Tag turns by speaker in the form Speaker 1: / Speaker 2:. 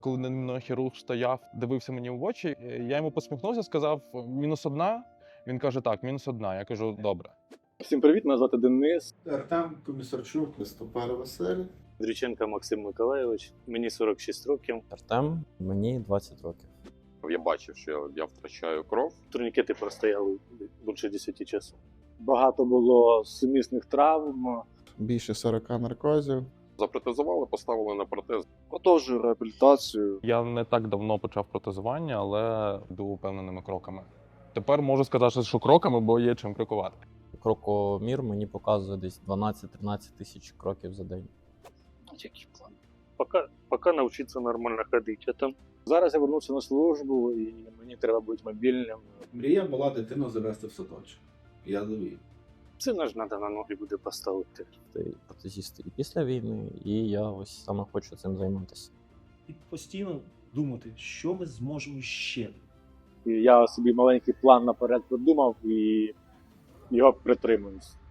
Speaker 1: Коли нейрохірург стояв, дивився мені в очі, я йому посміхнувся, сказав -1. Він каже, так, -1. Я кажу, добре.
Speaker 2: Всім привіт, мене звати Денис.
Speaker 3: Артем Комісарчук, Листопер Василь.
Speaker 4: Андрійченко Максим Миколайович, мені 46 років.
Speaker 5: Артем, мені 20 років.
Speaker 6: Я бачив, що я втрачаю кров.
Speaker 4: Турнікети простояли більше 10 часу.
Speaker 2: Багато було сумісних травм.
Speaker 3: Більше 40 наркозів.
Speaker 6: Запротезували, поставили на протез.
Speaker 2: Продовжую реабілітацію.
Speaker 1: Я не так давно почав протезування, але йду упевненими кроками. Тепер можу сказати, що кроками, бо є чим крокувати.
Speaker 5: Крокомір мені показує десь 12-13 тисяч кроків за день.
Speaker 4: Який план? Поки навчитися нормально ходити, а там
Speaker 2: Зараз я вернувся на службу і мені треба бути мобільним.
Speaker 3: Мрія була дитину завести в садочок. Я довів.
Speaker 4: сина ж треба на ноги буде поставити.
Speaker 5: Ти протезісти і після війни, і я ось саме хочу цим займатися.
Speaker 7: І постійно думати, що ми зможемо ще.
Speaker 2: І я собі маленький план наперед придумав і його притримуюсь.